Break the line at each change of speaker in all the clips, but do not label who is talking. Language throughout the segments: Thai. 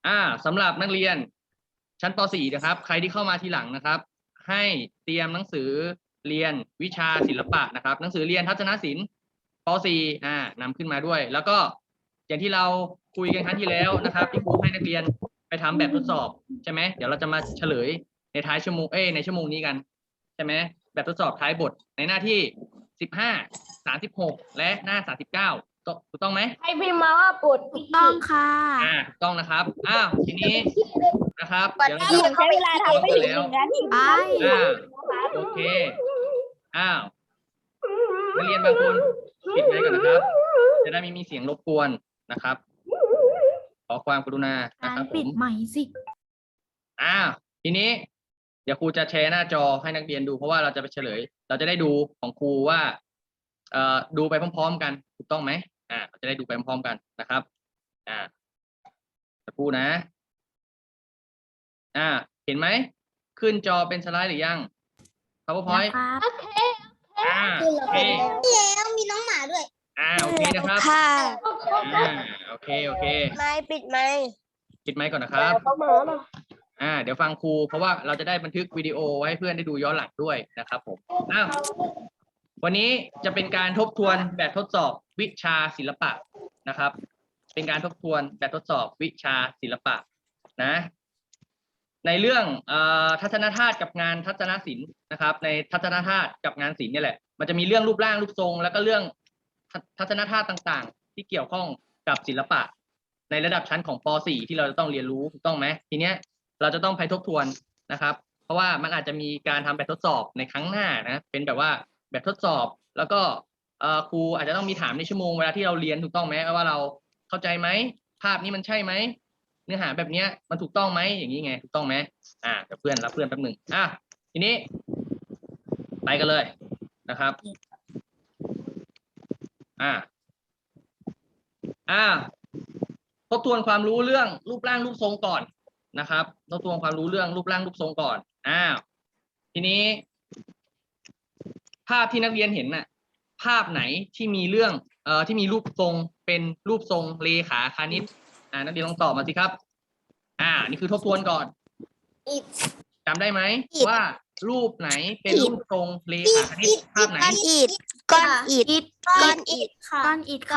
สำหรับนักเรียนชั้นป .4 นะครับใครที่เข้ามาทีหลังนะครับให้เตรียมหนังสือเรียนวิชาศิลปะนะครับหนังสือเรียนทัศนศิลป์ป .4 นำขึ้นมาด้วยแล้วก็อย่างที่เราคุยกันครั้งที่แล้วนะครับที่ครูให้นักเรียนไปทำแบบทดสอบใช่ไหมเดี๋ยวเราจะมาเฉลยในท้ายชั่วโมงในชั่วโมงนี้กันใช่ไหมแบบทดสอบท้ายบทในหน้าที่15 36และหน้า39ถูกต้องไหม
ให้พิมพ์มาว่าปวด
ถูกต้องค่ะ
ถูกต้องนะครับทีนี้นะครับเดี๋ยวเรา
ใช้เวลาทำไม่ถึง1 นาที
ไป
โอเคนักเรียนบางคนปิดไว้ก่อนนะครับจะได้ไม่มีเสียงรบกวนนะครับขอความกรุณานะครับ
ปิดใหม่สิ
ทีนี้เดี๋ยวครูจะแชร์หน้าจอให้นักเรียนดูเพราะว่าเราจะไปเฉลยเราจะได้ดูของครูว่าดูไปพร้อมๆกันถูกต้องไหมเราจะได้ดูไปพร้อมๆกันนะครับจะพูดนะเห็นไหมขึ้นจอเป็นสไลด์หรือยัง PowerPoint
ครับ
โอเค
แล้วมีน้องหมาด้วย
โอเคนะครับโอเค
ไม่ปิดไหม
ปิดไมค์ก่อนนะครับเดี๋ยวฟังครูเพราะว่าเราจะได้บันทึกวิดีโอไว้ให้เพื่อนได้ดูย้อนหลังด้วยนะครับผมวันนี้จะเป็นการทบทวนแบบทดสอบวิชาศิลปะนะครับเป็นการทบทวนแบบทดสอบวิชาศิลปะนะในเรื่องทัศนธาตุกับงานทัศนศิลป์นะครับในทัศนธาตุกับงานศิลป์นี่แหละมันจะมีเรื่องรูปร่างรูปทรงแล้วก็เรื่องทัศนธาตุต่างๆที่เกี่ยวข้องกับศิลปะในระดับชั้นของป .4 ที่เราจะต้องเรียนรู้ถูกต้องไหมทีเนี้ยเราจะต้องไปทบทวนนะครับเพราะว่ามันอาจจะมีการทำแบบทดสอบในครั้งหน้านะเป็นแบบว่าแบบทดสอบแล้วก็ครูอาจจะต้องมีถามในชั่วโมงเวลาที่เราเรียนถูกต้องไหมว่าเราเข้าใจไหมภาพนี้มันใช่ไหมเนื้อหาแบบเนี้ยมันถูกต้องไหมอย่างนี้ไงถูกต้องไหมเดี๋ยวเพื่อนรับเพื่อนแป๊บหนึ่งทีนี้ไปกันเลยนะครับทบทวนความรู้เรื่องรูปร่างรูปทรงก่อนนะครับทบทวนความรู้เรื่องรูปร่างรูปทรงก่อนทีนี้ภาพที่นักเรียนเห็นน่ะภาพไหนที่มีเรื่องที่มีรูปทรงเป็นรูปทรงเลขาคณิตนักเรียนลองตอบมาสิครับนี่คือทบทวนก่อนจำได้ไหมว่ารูปไหนเป็นรูปทรงเลขาคณิตภาพไหน
ก้อนอิฐ
ค่ะก้อนอิฐ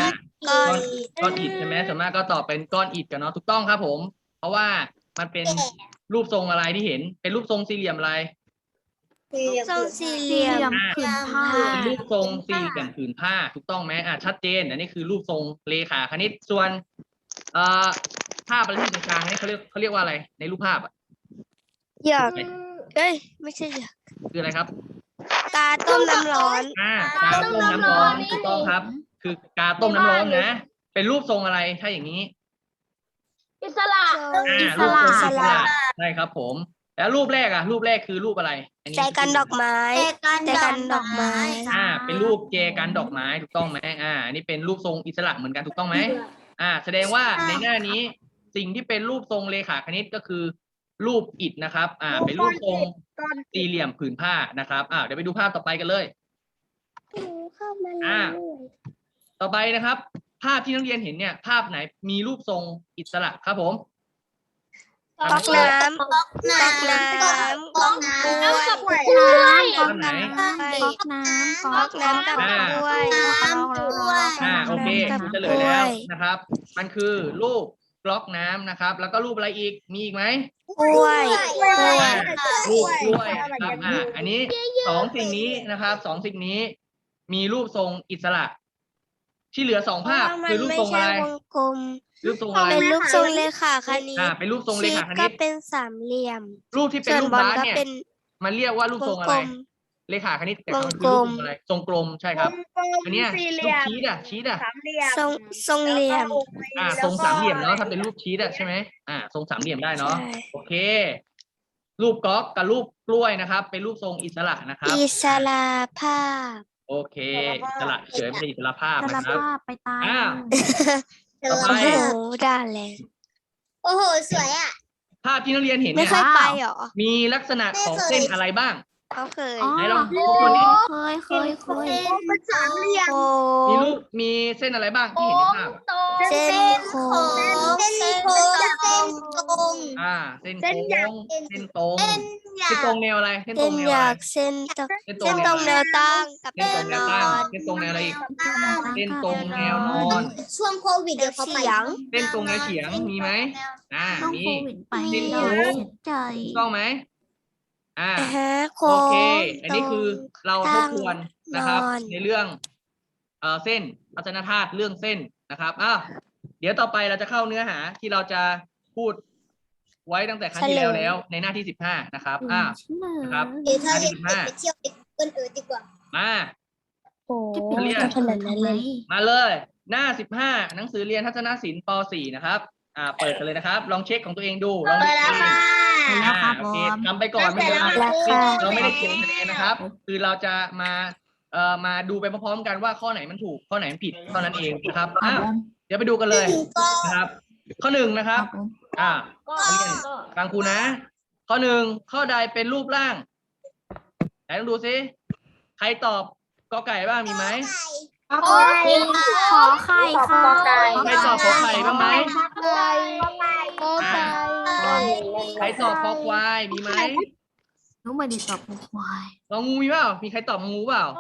ใช่ไหมส่วนมากก็ตอบเป็นก้อนอิฐกันเนาะถูกต้องครับผมเพราะว่ามันเป็นรูปทรงอะไรที่เห็นเป็นรูปทรงสี่เหลี่ยมอะไร
ทรงสี่เหลี่ยม
ผืนผ้า
เป็นรูปทรงสี่เหลี่ยมผืนผ้าถูกต้องไหมชัดเจนอันนี้คือรูปทรงเลขาคณิตส่วนภาพอะไรที่อยู่ตรงกลางนี่เขาเรียกว่าอะไรในรูปภาพ
อยากไม่ใช่อยาก
คืออะไรครับ
กาต้มน้ำร้อน
กาต้มน้ำร้อนถูกต้องครับคือกาต้มน้ำร้อนนะเป็นรูปทรงอะไรถ้าอย่างนี้
อิสระ
รูปทรงอิสระใช่ครับผมแล้วรูปแรกคือรูปอะไร
ใจกันดอกไม้
เป็นรูปเจกันดอกไม้ถูกต้องไหมอันนี้เป็นรูปทรงอิสระเหมือนกันถูกต้องไหมแสดงว่าในหน้านี้สิ่งที่เป็นรูปทรงเลขาคณิตก็คือรูปอิฐนะครับเป็นรูปทรงสี่เหลี่ยมผืนผ้านะครับเดี๋ยวไปดูภาพต่อไปกันเลยต่อไปนะครับภาพที่นักเรียนเห็นเนี่ยภาพไหนมีรูปทรงอิสระครับผม
ก๊อกน้ำ
ก๊อกน้ำ
กับกล้วย
โอเคเฉลยแล้วนะครับมันคือรูปก๊อกน้ำนะครับแล้วก็รูปอะไรอีกมีอีกไหม
กล้วย
รูปกล้วยครับอันนี้สองสิ่งนี้นะครับสองสิ่งนี้มีรูปทรงอิสระที่เหลือ2ภาพคือรูปทรงอะไรรูปทรงอะไร
เป็นรูปทรงเลขาคณิต
เป็นรูปทรงเลขาคณิต
ก็เป็นสามเหลี่ยม
รูปที่เป็นรูปบาสเนี่ยมันเรียกว่ารูปทรงอะไรเลขาคณิตแต่มันคือรูปทรงอะไรทรงกลมใช่ครับอันนี้รูปชีส
ทรงเหลี่ยม
ทรงสามเหลี่ยมเนาะถ้าเป็นรูปชีสใช่ไหมทรงสามเหลี่ยมได้เนาะโอเครูปก๊อกกับรูปกล้วยนะครับเป็นรูปทรงอิสระนะครับ
อิสระภาพ
โอเคอิสระเฉยไม่ใช่อิสระภาพนะครับ
ไปตาย
ต่อไป
ได้เลยโอ้โหสวย
ภาพที่นักเรียนเห็น
ไม่
เนี่ย
เคยไปหรอ
มีลักษณะของเส้นอะไรบ้าง
เขาเคย
ไหนลองดูคนนี้
เคย
เป็นสามเหลี่ยม
มีเส้นอะไรบ้างที่เห็นในภาพ
เส้นโค้ง
เส้นโค้งเส้นตรงเส้นตรงแนวอะไรเส้นตร
เส้
ง
น
แนว
ห
อะไร
ยากเส้นตรง
เส้นตร
เส้
ง
น
แน
ตร
ว
ง
อะไร
แนวตั้งกับ
เส้น
แน
ตรง
ว
แน
น
ว
อ
ตั้ง
น
เส้นตรงแนวอะไรอีกเส้นตรงแนวนอน
ช่วงโควิด
เดี๋ยวเขาไป
เส้นตรงแนวเฉียงมีไหม
ต้อง
มี
โควิดไป
เส้น
เรา
โค้ง
เสียใจ
ถูกต้องไหม
โค้
โอเค
ง
อันนี้คือเราทบทวนนะครับ
นอน
ในเรื่องเส้นอัจนธาตุเรื่องเส้นนะครับเดี๋ยวต่อไปเราจะเข้าเนื้อหาที่เราจะพูดไว้ตั้งแต่ครั้งที่แล้วในหน้าที่15นะครับนะครับ
เดี๋ยวถ้าเด็กไปเที่ยวเอิร์ดดีกว่า
มา
โอ้
เรียน
ขนาดนั้นเลย
มาเลย หน้า15หนังสือเรียนทัศนศิลป์ป .4 นะครับเปิดกันเลยนะครับ ลองเช็คของตัวเองดูลองดูเอง
แล้วครับ
โอ
ผ
เค
ม
ทำไปก่อนไม่เป็นไร
แล้วค่ะ
เราไม่ได้เขียนคะแนนนะครับ คือเราจะมาดูไปพร้อมๆกันว่าข้อไหนมันถูกข้อไหนมันผิดเท่านั้นเองนะครับเดี๋ยวไปดูกันเลยนะครับ ข้อ 1นะครับนักเรียนฟังครูนะ ข้อ 1ข้อใดเป็นรูปร่างไหนลองดูซิใครตอบกอไก่บ้างมีไหม
ขอไข่ค่ะ
ใครตอบขอไข่บ้างไหม
โค้งไก่
ใครตอบคอควายมีไหม
น้องไม่ได้ตอบควาย
งองูมีเปล่ามีใครตอบงองูเปล่า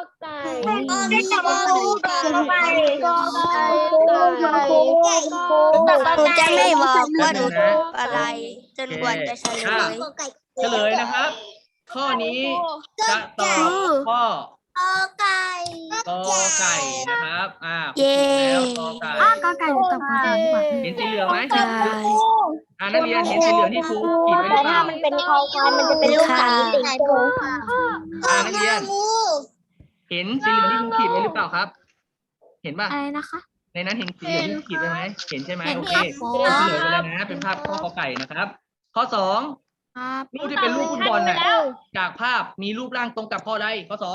หนูจะไม่บอกว่าหนูถูกอะไร จนกว่าจะเฉลย
เฉลยนะครับ ข้อนี้จะตอบข้อกอไก่นะครับ
เย้
แล้วกอไก่
ก็ไก่ตอบควายดีกว่า
เห็นสีเหลืองไหม
ไก่
นักเรียนเห็นสีเหลืองที่ครูขีดไว้หรือเปล่า
เป็นคอควายมันจะเป็นลูกไก่ติดตัว
นักเรียนเห็นสีเหลืองที่ครูขีดไว้หรือเปล่าครับ เห็นป่ะ
อะไรนะคะ
ในนั้นเห็นสีเหลืองที่ขีดไว้ไหมเห็นใช่ไหมโอเค
เห็นครับ
เฉลยไปเลยนะเป็นภาพข้อกอไก่นะครับ ข้อ 2
ครับ
รูปที่เป็นรูปฟุตบอลน่ะจากภาพมีรูปร่างตรงกับข้อใดข้อ 2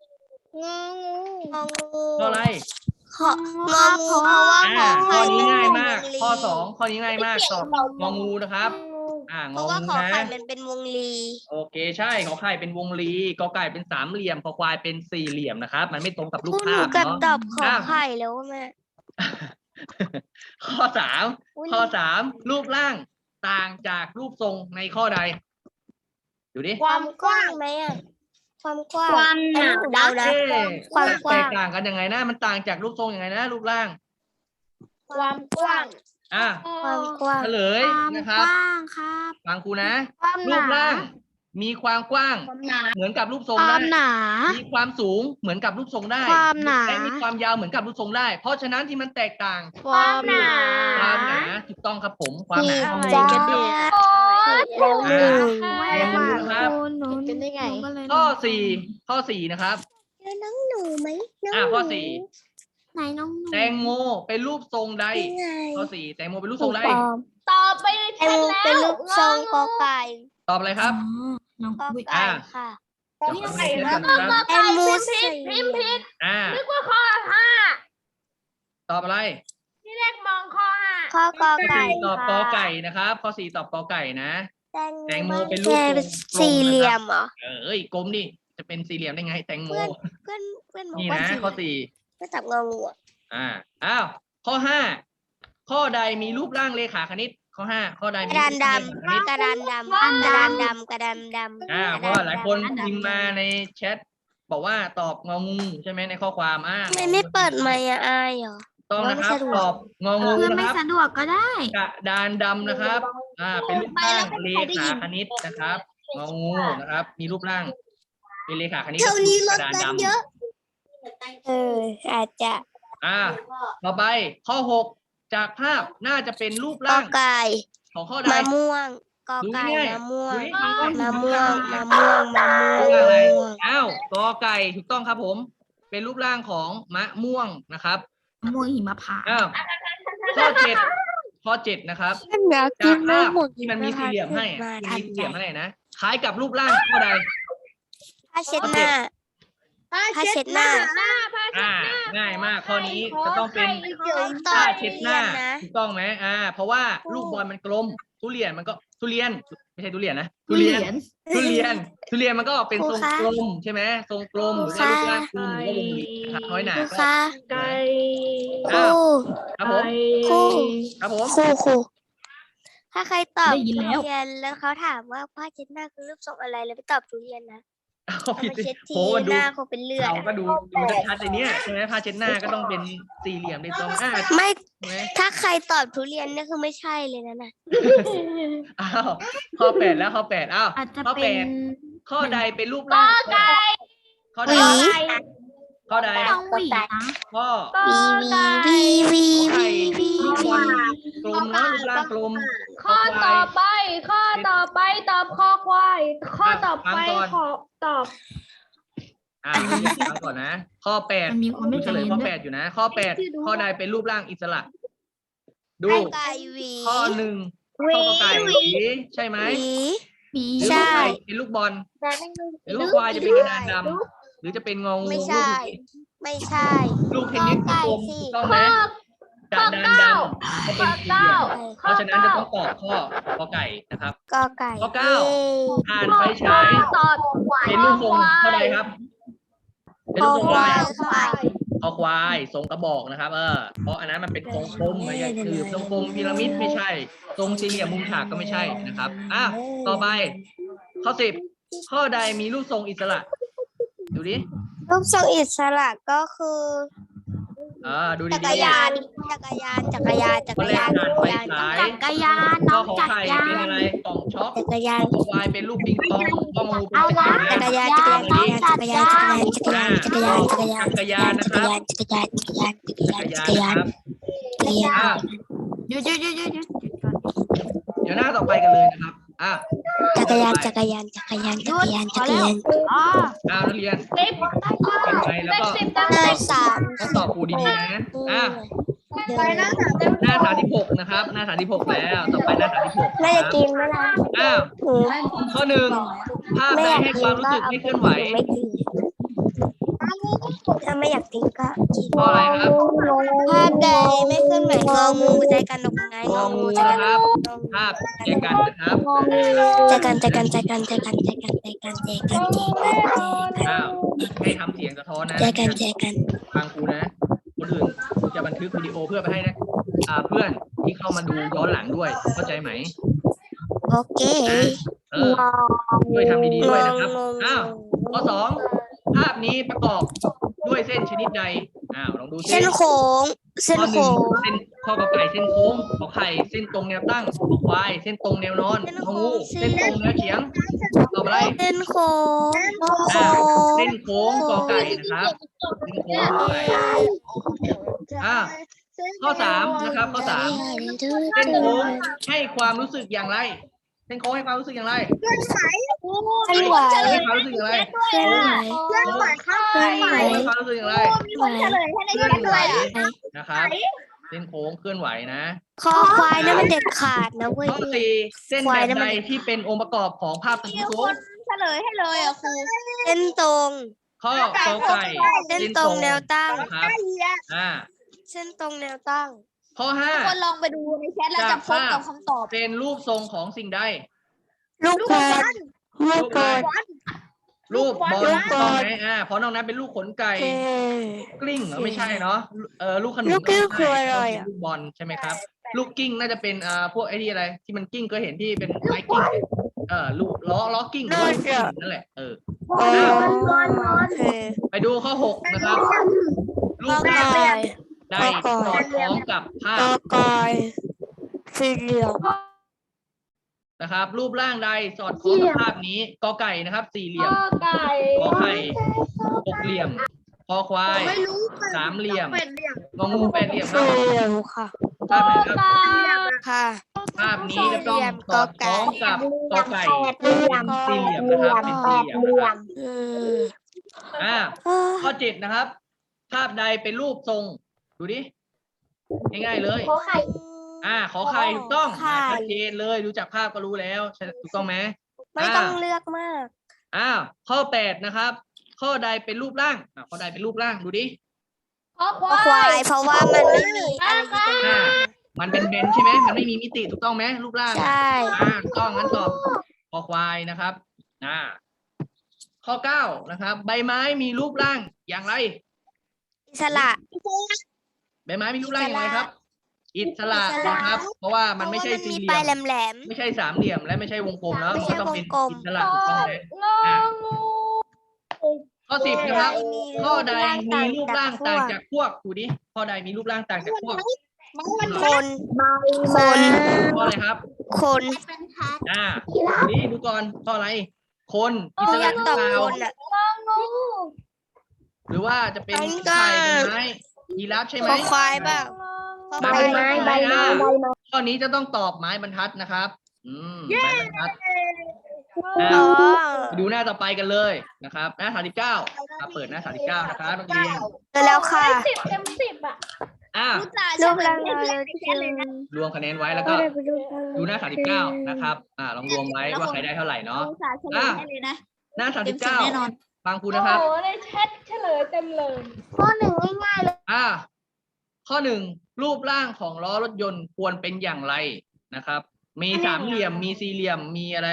ข้ออะไร
งองูเพราะว่าขอ
ข้
ไข่
อนี้
มัน
ง่าย
เป็นว
มาก
งลี
ข้อ 2 ข้อนี้ง่ายมากตอบงองูนะครับง
เพ
อ
ราะว่า
งู
ขอ
นะ
ไข่มันเป็นวงลี
โอเคใช่ขอไข่เป็นวงรีกอไก่เป็นสามเหลี่ยมขอควายเป็นสี่เหลี่ยมนะครับ มันไม่ตรงกับรูป
พูดห
ภา
นู
พ
กับ
เนาะ
ตอบขอไข่แล้วแม่
ข้อ 3 รูปร่างต่างจากรูปทรงในข้อใดดูดิ
ความกว้างไหมอ่ะความกว้างความหนาเดานะ
เอ๊ะ
ความก
แต
ว้าง
กต่างกันยังไงนะมันต่างจากรูปทรงยังไงนะรูปร่าง
ความกว้าง ความกว้าง
เฉลยนะครับ
กว้างครับ
ฟังครูนะ
ความห
รู
นา
ปร่างมีความกว้างเหมือนกับรูปทรง
ควา
ได้
มหนา
มีความสูงเหมือนกับรูปทรงได้
ความหนา
และมีความยาวเหมือนกับรูปทรงได้ เพราะฉะนั้นที่มันแตกต่าง
ความหนา
ความหนาถูกต้องครับผมความหนา
ผิด
ของ
จ้า
มัน
ผิดแล้วหนึ่ง
ลองดูนะครับ
หนู
เป็นได้ไง
ก็เลย
ข้อ 4นะครับ
เจอน้องหนูไหมน้อง
ข้อ
ไหนน้องหนู
4 แตงโมเป็นรูปทรงใด
ยังไง
ข้อ 4 แตงโมเป็นรูปทรงใด
ตอบไปแตงโมเป็นลูกทรงกอไก่
ตอบอะไรครับ
น้อง
กอ
วิ
ไก่ค่ะ
เดี๋ยวขอดูในเทปก่อนนะครับ
แตงโมสี่เหลี่ยม
นึกว่าตอบอะไร
ข้อกอ
ข้อ
ไก่
4ตอบกอไก่นะครับ ข้อ 4 ตอบกอไก่นะ แตงโมเป็นรูป
แค่
ทรง
สี่เหลี่ยมเหรอ
เอ้ยกลมดิจะเป็นสี่เหลี่ยมได้ไงแตงโม
เพื่อนบอก
นี่
ว่า
นะ
สี่
ข้อ 4
ก็จับงองูอ่ะ
อ้าวข้อ 5 ข้อใดมีรูปร่างเลขาคณิต ข้อ 5 ข้อใด
ก
มี
ระ
รู
ดา
ป
น
ร่างเลขาคณิต
ดำกระดานดำกระดานดำกระดานดำ
เพราะว่าหลายคนพิมพ์มาในแชทบอกว่าตอบงองูใช่ไหมในข้อความ
ทำไมไม่เปิดไมค์อะอายเหรอ
ต้องนะครับ
ไม่สะดวก
ตอบงองู
เพื่อน
นะ
ไม่
ครับ
สะดวกก็ได้
กระดานดำนะครับ เป็นรูปร่างเลขาคณิตนะครับงองูนะครับ มีรูปร่างเป็นเลขาคณิต
เท่านี้ร
ก
ถ
ระดาน
กัน
ดำ
เยอะ อาจจะ
ต่อไปข้อ 6 จากภาพน่าจะเป็นรูป
กอ
ร่าง
ไก่
ของข้อใด
มะม่วงกอ
ดู
ไก่
ง่าย
มะม่วง
ดูง่าย
มะม่วงมะม่วงมะม่วง
รูปร่างอะไร
มะม่วง
กอไก่ถูกต้องครับผม เป็นรูปร่างของมะม่วงนะครับ
ม่วงหิมพานต์
ข้อ 7นะครับ
อยากกิ
จาน ก
มะ
ภาพ
ม่วง
ที่มันมีสี่เหลี่ยมให้
มา
ที่
ทั
มี
น
สี่เห
ใจ
ลี่ยมให้นะคล้ายกับรูปร่างข้อใด
ผ้าเช็ดหน้าผ้าเช็ดหน้า
ง่ายมากข้อนี้จะต้องเป็น
ต่อ
ผ้าเช็ดหน้า
นะ
ถูกต้องไหมเพราะว่าลูกบอลมันกลมทุเรียนมันก็ทุเรียนไม่ใช่ทุเรียนนะทุเรียนมันก็เป็นทรงกลมใช่ไหมทรงกลมหรือว่ารูปร่างกลมหรือว่าวงรีนะครับน้อยหนา
ครู
ก็
คะ ครู
ครับผม
ครู
ครับผม
ครูถ้าใครตอบ
ได้ยิน
ทุ
แล้ว
เรียนแล้วเขาถามว่าผ้าเช็ดหน้าคือรูปทรงอะไรแล้วไปตอบทุเรียนนะ
เอา
เอา
ผิด
มาเช็ด
โห
ที
มัน
ห
ดู
น้าคงเป็นเลือด
เรา
อะ
ก็ดูชัดๆในเนี้ยใช่ไหมผ้าเช็ดหน้าก็ต้องเป็นสี่เหลี่ยมในตรงใ
ไม่
ช่ไหม
ถ้าใครตอบทุเรียนเนี่ยคือไม่ใช่เลยนะน่ะ
อ้าวข้อ 8แล้วข้อ 8อ้าว
อาจจะ
ข้อ
เป็น
8ข้อใดเป็นรูปร่างข้อ
ห
ใด
วี
ข้อใด
ต้องหวีนะ
ข้อ
วีวี
ไข่
วี
ลูกบอลกลมเนาะรูปร่างกลม
ข้อต่อไป ข้อต่อไปตอบข้อควาย ข้อต่อไป
ฟังก่อน
ขอตอบ
ฟังก่อนนะ ข้อ 8
มันมีความไม่
ดูเฉ
ใจ
ลย
เย็น
ข้อ
ด้วย
8 อยู่นะ ข้อ 8 ข้อใดเป็นรูปร่างอิสระ ดู
ไก่หวี
ข้อ 1 ข้อกอไก่หวีใช่ไหม
หวี
หวี
หรือ
ใช่
ข้อไก่เป็นลูกบอลหรือข้อควายจะเป็นกระดานดำหรือจะเป็นงองู
ไม่ใช่ ไม่ใช่
ลูกเทนนิส
ข้อไก่
กลม
สิ
ถูกต้องไหมกระดานดำก็เป็นสี่เหลี่ยมเพราะฉะนั้นจะต้องตอบข้อกอไก่นะครับ
กอไก่
ข้อเก้า
เย้
อ่านไฟฉาย
ตอบ
เป็นรูปทรงเท่าใดครับ เป็น
ค
รู
อ
ปทรง
ค
อะไร
วายค่ะ
คอควายทรงกระบอกนะครับ เพราะอันนั้นมันเป็นทรงกลมไม่ใช่คือทรงกลมพีระมิดไม่ใช่ ทรงสี่เหลี่ยมมุมฉากก็ไม่ใช่นะครับต่อไป ข้อ 10 ข้อใดมีรูปทรงอิสระ ดูดิ
รูปทรงอิสระก็คือ
ดูดี
จักร
ๆ
ยาน จักรยาน จักรยาน จัก
ข้อ
ร
แร
ยาก น
อ่านไฟฉาย
จักรยาน
ข้
น้
อ
อง
ขอ
จักร
ไข่
ยา
เป็น
น
อะไรกล่องช็อก
จักรยาน
ข้อควายเป็นลูกปิงปองข้องูเป็น
อะไร
ตะเกียบ
จักร
นะ
ยาน จักรยาน จักรยาน จักรยาน จักรยาน จักรยาน จักรยาน จักรยาน จักรยาน จักรยาน จักรยาน จักรยาน
นะครับ
จักรยาน
หยุดหยุดหยุดหยุดหยุดก่อน
เดี๋ยวหน้าต่อไปกันเลยนะครับ
จักรยาน จักรยาน จักรยาน จักรยาน จักรยาน
อ๋อ
นักเรียน
สิบ
เป็นไงแล้วก็
สิบจัง
ห
เล
น้าย สาม
ต้องตอบครูดีๆนะ
เดิ
ไป
น
นะสามเต็ม
หน้า36นะครับ หน้า36แล้วต่อไปหน้า36
น่าจะกินไหมล่ะ หนู
ข้อ 1 ภาพ
ไม่
ใด
อยาก
ให้
กิ
คน วามรู้
ก็
สึก
เอา
ไม่
ไป
เคลื่อนไหว
ไม่กินถ้าไม่อยากกินก็กิน
ข้ออะไรครับ
ภาพใดไม่เคลื่อนไหวงองูใจกันดอกไม้งองูใจกัน
นะครับ ภาพแจกันนะครับ
ใจกันใจกันใจกันใจกันใจกันใจกันใจกันใจกันใจกัน
ให้ทำเสียงสะท้อนนะ
ใจกันใจกัน
ฟังครูนะ คนอื่นครูจะบันทึกวิดีโอเพื่อไปให้นะเพื่อนที่เข้ามาดูย้อนหลังด้วย เข้าใจไหม
โอเค
ช่วยทำดีๆด้วยนะครับ
งง
ข้อ 2 ภาพนี้ประกอบด้วยเส้นชนิดใดลองดูสิ
เส้นโค้งเส้น
ข้อ
โค้ง
1เส้นข้อกอไก่เส้นโค้งขอไข่เส้นตรงแนวตั้งขอควายเส้นตรงแนวนอนงองูเส้นตรงแนวเฉียงตอบอะไร
เส้นโค้งโค้ง
เส้นโค้งกอไก่นะครับเส้นโค้งกอไก่ข้อ 3นะครับ ข้อ 3 เส้นโค้งให้ความรู้สึกอย่างไร เส้นโค้งให้ความรู้สึกอย่างไร
เคลื่อนไหว
ให้ความรู้สึกอย่างไร
เคลื่อนไหว
เลื่อนไหวข้าง
เคลื่อนไหว
ให้ความรู้สึกอย่างไร
มีคนเฉลยให้ใน
เคลื่อ
แช
น
ท
ไหว
ด้วยอ่ะ
นะครับ เส้นโค้งเคลื่อนไหวนะ
คอควายนั่นมันเด็ดขาดนะเว้ย
ข้อ 4 เส้นแบบใดที่เป็นองค์ประกอบของภาพทรง
มี
โค้
ค
ง
นเฉลยให้เลยอ่ะครู
เส้นตรง
ข้อกอไก่
เส้นตรงแนวตั้ง
นะครับ
เส้นตรงแนวตั้ง
ข้อ
คนลองไปดูในแชทแล้วจะพบกับคำตอบ
5 เป็นรูปทรงของสิ่งใด
ลูกบอลลูกบอล
รูปบอล
ลูกบอล
ต้องไหมเพราะนอกนั้นเป็นลูกขนไก่ กลิ้งเหรอไม่ใช่เนาะลูกขนุน
ลูกกลิ้ง
ม่
คือ
ใช่
อะไรอะ
ลูกบอลใช่ไหมครับ ลูกกิ้งน่าจะเป็นพวกไอ้ที่อะไร ที่มันกิ้งก็เห็นที่เป็นไม้กิ้งลูกล้อกิ้งหรือว่าลูกกิ้งนั่นแหละ
โอเค
ไปดูข้อ 6 นะครับ รู
กอ
ป
ไก่
ได้สอดคล้องกับภาก
อ
พ
ไก่สี่เหลี่ยม
นะครับ รูปร่างใดสอดคล้องกับภาพนี้กอไก่นะครับ สี่เหลี่ยม
ไก่
ขอไข่หกเหลี่ยมคอควายสามเหลี่ยมงองูแปดเหลี่ยมครั
สี่
บ
เหลี่ยมค่ะ
ภาพไหนครับ
ค่ะ
ภาพนี้จะต้องสอดคล้องกับกอไก่เป็นสี่เหลี่ยมนะครับเป็นสี่เหลี่ยมนะครับ
อืม
ข้อ 7 นะครับ ภาพใดเป็นรูปทรงดูดิง่ายๆเลย
ขอไข่
ขอไข่ถูกต้อง
ไข่
ชัดเจนเลยดูจากภาพก็รู้แล้วถูกต้องไหม
ไม่ต้องเลือกมาก
ข้อ 8 นะครับ ข้อใดเป็นรูปร่างข้อใดเป็นรูปร่างดูดิ
ขอค
คว
า
าย ย เพราะว่ามันไม่มีอะไรที่เป็น
มันเป็นเบนใช่ไหมมันไม่มีมิติถูกต้องไหมรูปร่าง
ใช่
ถูกต้องงั้นตอบคอควายนะครับข้อ 9 นะครับ ใบไม้มีรูปร่างอย่างไร
อิสระ
ใบไม้มีรูปร่างอย่างไรครับอิสระนะครับ เพราะว่ามันไม่ใช่สี่เหลี่
ปลาย
ยม
แหลม
ไม่ใช่สามเหลี่ยมและไม่ใช่วงกลมแล้ว
ไม่
มัน
ใช่
ก็ต้องเป็น
วงกลม
อิสระถูกต้องไหม
งองู
ข้อ 10นะครับ
มี
ข้อใดมีรูปร่างต่าง
จา
จาก กพวกดูดิข้อใดมีรูปร่างต่างจากพวก
คน คน
ข้ออะไรครับ
คน
ดูดิดูก่อนข้ออะไร คนอิส
อ
ระ
ยาก
หรือ
ตอบ
เปล่า
คนอ่ะ
งองู
หรือว่าจะเป็น
อันนี้
ไข่
ก็
เป็นไม้ยีราฟใช่ไหม
คอควายเปล่า
ใบไม้ใบไม้ข้อนี้จะต้องตอบไม้บรรทัดนะครับ ไม้บรรทัด
อ๋อ
ไปดูหน้าต่อไปกันเลยนะครับหน้า39เปิดหน้า39นะครับนักเรียน
เจอแล้วค่ะ
10 เต็ม 10อ่ะ
รูปร่างเราที่คือ
รวมคะแนนไว้แล้วก็ดูหน้า39นะครับลองรวมไว้ว่าใครได้เท่าไหร่เนาะหน้า39ฟังครูนะครับ
โอ้โหในแชทเฉลยเต็มเลย
ข้อหนึ่งง่ายๆเลย
ข้อ 1รูปร่างของล้อรถยนต์ควรเป็นอย่างไรนะครับ มีสามเหลี่ยมมีสี่เหลี่ยมมีอะไร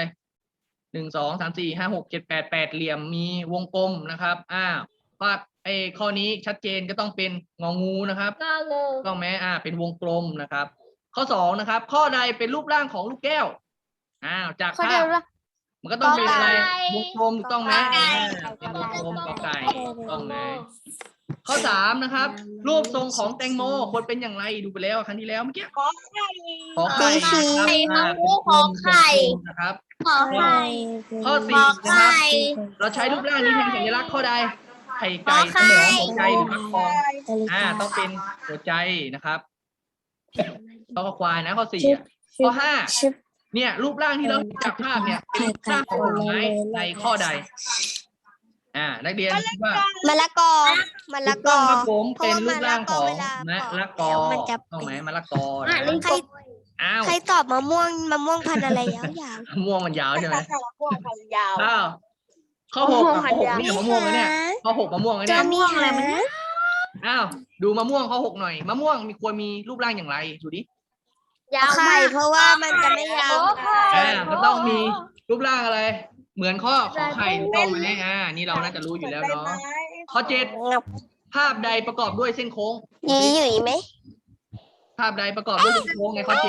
1 2 3 4 5 6 7 8 8เหลี่ยมมีวงกลมนะครับว่าข้อนี้ชัดเจนก็ต้องเป็นงองูนะครับ
งองู
ต้องไหมเป็นวงกลมนะครับ ข้อ 2นะครับ ข้อใดเป็นรูปร่างของลูกแก้วจาก
ข้อ
ภา
เดีย
พ
วละ
มันก็ต้องเป็นอะไร
กอไก่
วงกลมถูกต้องไหมเป็นวงกลมกอไก่ถูกต้องไหมข้อ 3นะครับ รูปทรงของแตงโมควรเป็นอย่างไรดูไปแล้วครั้งที่แล้วเมื่อกี้ขอไข่นะครับนะครับ
ขอไข่
ข้อ 4นะครับ เราใช้รูปร่างนี้แทนสัญลักษณ์ข้อใดไข่ไก่สมองหัวใจหรือฟักทองต้องเป็นหัวใจนะครับข้อควายนะข้อ 4ข้อ 5เนี่ยรูปร่างที่เราเห็นจากภาพเนี่ยเป็นรูปร่างของผลไม้ในข้อใดนักเรียนคิดว่าม
ะละกอ มะ
ถู
ละ
ก
ก
ต้อง
อ
ครับผมเป็นรูปร่างของ
เว
มะละกอ
มันจะ
ต้องไหมมะละกอ
ใคร ใครตอบมะม่วงพันธุ์อะไรยาว
ม่วงมันยาวใช่ไหม
ม่วงพันยาว
ข้อ 6ข้อ 6เนี่ยมะม่วงนะเนี่ยข้อ 6มะม่วงนะ
จะ
เนี่ย
มีหา
ดูมะม่วงข้อ 6หน่อยมะม่วงควรมีรูปร่างอย่างไรดูดิ
ยาวไข่เพราะว่ามันจะไม่ยาว
ก็ต้องมีรูปร่างอะไร เหมือนข้อไข่ถูกต้องไหมนี่เราน่าจะรู้อยู่แล้วเนาะข้อ 7ภาพใดประกอบด้วยเส้นโค้ง
ยีหยุ่ยไหม
ภาพใดประกอบด้วยเส้นโค้งในข้อ 7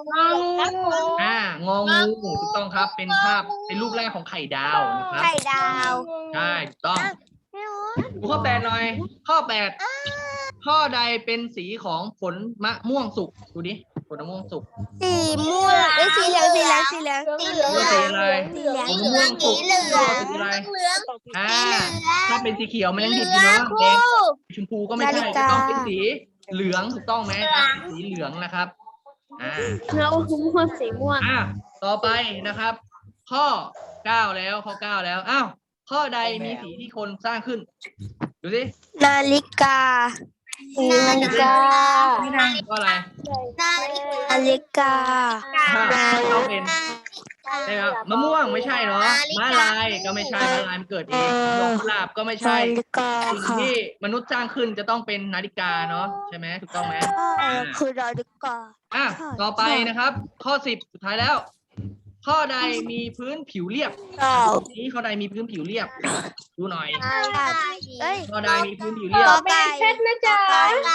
งองูถูกต้องครับเป็นภาพเป็นรูปร่างของไข่ดาวนะครับ
ไข่ดาว
ใช่ถูกต้องดูข้อ 8หน่อยข้อ 8ข้อใดเป็นสีของผลมะม่วงสุกดูดิผลมะม่วงสุก
สีม่วงสีเหลืองสีเหลืองสีเหลือง
สีอะไร
สีเหลือง
ผลมะม่วงสุกสีอะไรถ้าเป็นสีเขียวมันยังดิบอยู่เนาะแดงชมพูก็ไม่ใช่จะต้องเป็นสีเหลืองถูกต้องไหมสีเหลืองนะครับ
เราม่วงสีม่วง
ต่อไปนะครับ ข้อ 9แล้วข้อ 9แล้วข้อใดมีสีที่คนสร้างขึ้นดูสิ
นาฬิกา นาฬิกา
ข้ออะไร
นาฬิกา
ต้องเป็นใช่ครับมะม่วงไม่ใช่เนาะม้าลายก็ไม่ใช่ม้าลายมันเกิดเองดอกกุหลาบก็ไม่ใช่
นาฬิกา
สิ่ง
ค่ะ
ที่มนุษย์สร้างขึ้นจะต้องเป็นนาฬิกาเนาะใช่ไหมถูกต้องไหม
คือนาฬิกา
ต่อไปนะครับ ข้อ 10สุดท้ายแล้ว ข้อใดมีพื้นผิวเรียบ นี้ข้อใดมีพื้นผิวเรียบดูหน่อย
เอ้ย
ข้อใดมีพื้นผิวเรียบ
เป็นเช็ดนะจ๊ะ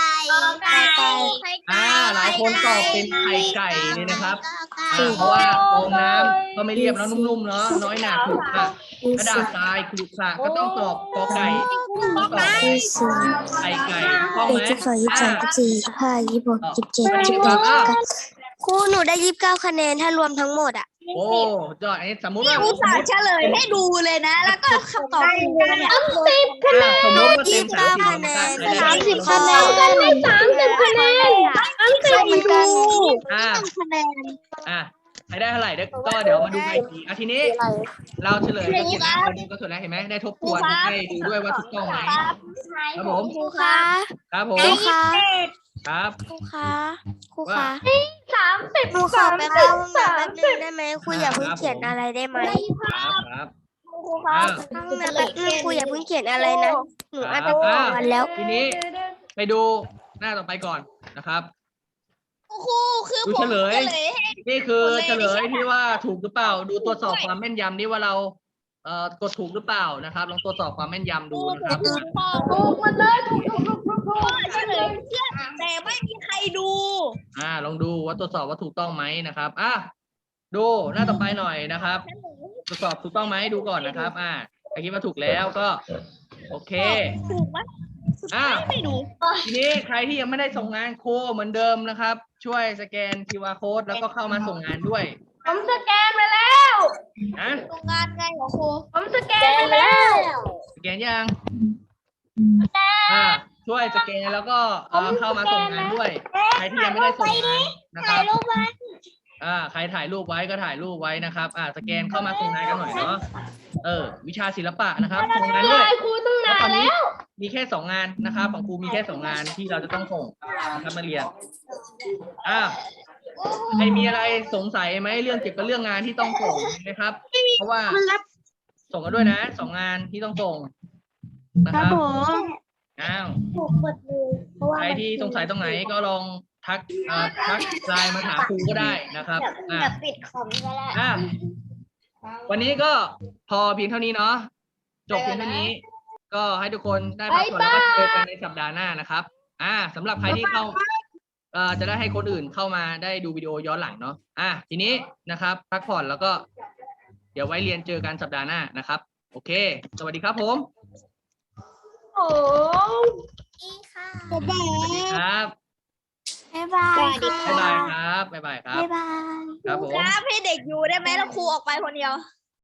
หลายคนตอบเป็นไข่ไก่เลยนะครับเพราะว่าฟองน้ำก็ไม่เรียบแล้วนุ่มๆเนาะน้อยหนาขรุขระกระดาษทรายขรุขระก็ต้องตอบกอไก่ต้องตอบไข่ไก่ต้องไหม
ครูหนูได้29คะแนนถ้ารวมทั้งหมดอ่ะ
โอ้ยอดสมมติว่า
อุตส่าห์เฉลยให้ดูเลยนะ แล้วก็คำตอบถูกเนี่ย
สมมติว่าเต็ม30
คะแนน
30 คะแนนกันได้30 คะแนน
เหมือนกัน
คะแนน
ใครได้เท่าไหร่ก็เดี๋ยวมาดูกันอีกทีทีนี้ เราเฉลยกันเสร็จแล้วก็เสร็จแล้วเห็นไหมได้ทบทวนให้ดูด้วยว่าถูกต้องไหมครับผม
ครูคะ
ครับผม
ครูคะ
ครับ
ครูคะครูคะ
30
หนูขอไปเข้าห้องน้ำแป๊บนึงได้ไหมครูอย่าเพิ่งเขียนอะไรได้ไหม
ครับ
ห้องน้ำแป๊บนึงครูอย่าเพิ่งเขียนอะไรนะหนูอาจจะตอบกันแล้ว
ทีนี้ไปดูหน้าต่อไปก่อนนะครับ
ครูคือ
ดู
ผม
เฉลย
ให้
นี่คือเฉลยที่ว่าถูกหรือเปล่า ดูตรวจสอบความแม่นยำนี่ว่าเรากดถูกหรือเปล่านะครับลองตรวจสอบความแม่นยำดูนะครับ
ถูกหมดเลยถูก
พ่อเฉลยเชื่อแต่ไม่มีใครดู
ลองดูว่าตรวจสอบว่าถูกต้องไหมนะครับดูหน้าต่อไปหน่อยนะครับตรวจสอบถูกต้องไหมดูก่อนนะครับใครคิดว่าถูกแล้วก็ โอเค
ถูกไหมสุดท้ายไม่ดู
ทีนี้ใครที่ยังไม่ได้ส่งงานครูเหมือนเดิมนะครับ ช่วยสแกน QR code แล้วก็เข้ามาส่งงานด้วย
ผมสแกนไปแล้ว
นะ
โรงงานไงเหรอครู
ผมสแกนไปแล้ว
สแกนยังช่วยสแกนแล้วก็เข้ามาส่งงานด้วย ใครที่ยังไม่ได้ส่งงานนะครับใครถ่ายรูปไว้ก็ถ่ายรูปไว้นะครับสแกนเข้ามาส่งงานกันหน่อยเนาะวิชาศิลปะนะครับส่งงานด้วย
ครูตั้งนานแล้ว
มีแค่2 งานนะครับของครูมีแค่2 งานที่เราจะต้องส่งนะครับนักเรียนใครมีอะไรสงสัยไหมเรื่องเกี่ยวกับเรื่องงานที่ต้องส่งนะครับเพราะว่าส่งกันด้วยนะ2 งานที่ต้องส่งนะครับใครที่สงสัยตรงไหนก็ลองทักไลน์มาถามครูก็ได้นะครับ
ปิดคอมก็ได้
วันนี้ก็พอเพียงเท่านี้เนาะจบเพียงเท่านี้ ก็ให้ทุกคนได้พักผ่อนแล้วก็เจอกันในสัปดาห์หน้านะครับสำหรับใครที่เข้าจะได้ให้คนอื่นเข้ามาได้ดูวิดีโอย้อนหลังเนาะทีนี้นะครับพักผ่อนแล้วก็เดี๋ยวไว้เรียนเจอกันสัปดาห์หน้านะครับโอเคสวัสดีครับผม
โอ้
สวัสดีครับ
บ๊ายบาย
บ๊ายบายครับบ๊ายบายครับ
บ๊ายบาย
ครับผม
ครับให้เด็กอยู่ได้ไหมแล้วครูออกไปคนเดียว